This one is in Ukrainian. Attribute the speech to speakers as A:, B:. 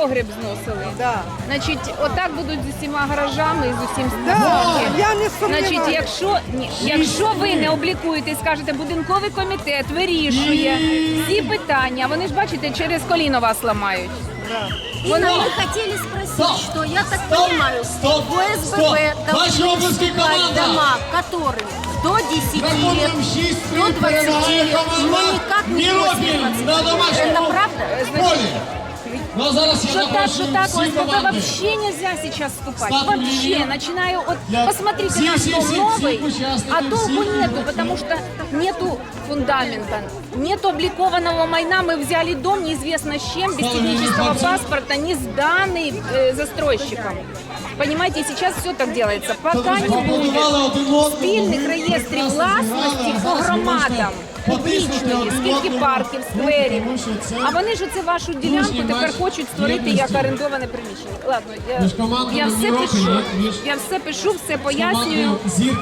A: погреб зносили.
B: Да.
A: Значить, отак будуть з усіма гаражами і з усім
B: Да,
A: стосунки.
B: я не
A: Значить,
B: сумніваюся.
A: якщо ви не облікуєте і скажете, будинковий комітет вирішує всі питання, вони ж бачите, через коліно вас ламають.
C: Именно мы хотели спросить, что я так понимаю, в ОСББ должны вступать дома, которым до 10 лет, до 20 лет, но никак не после 20 лет. Это правда?
D: Ну, а зараз я
A: Что так,
D: запрошую
A: что так,
D: всіх
A: ОСББ
D: команди.
A: вообще нельзя сейчас вступать.
D: Статус
A: Вообще,
D: линии.
A: начинаю от,
D: Я-
A: посмотрите
D: все,
A: наш
D: все,
A: дом
D: все,
A: новый,
D: все участники,
A: а толку
D: все
A: нету,
D: люди.
A: потому что нету фундамента, нету обликованного майна, мы взяли дом неизвестно с чем, без
D: Статус
A: технического
D: линии.
A: паспорта, не сданный застройщиком. Понимаете, и сейчас все так делается. Пока не будет спільних реєстрів власності по громадам, публічної, скільки парків, скверів. А вони ж оце вашу ділянку тепер хочуть створити як орендоване приміщення. Ладно, я все пишу, все пояснюю.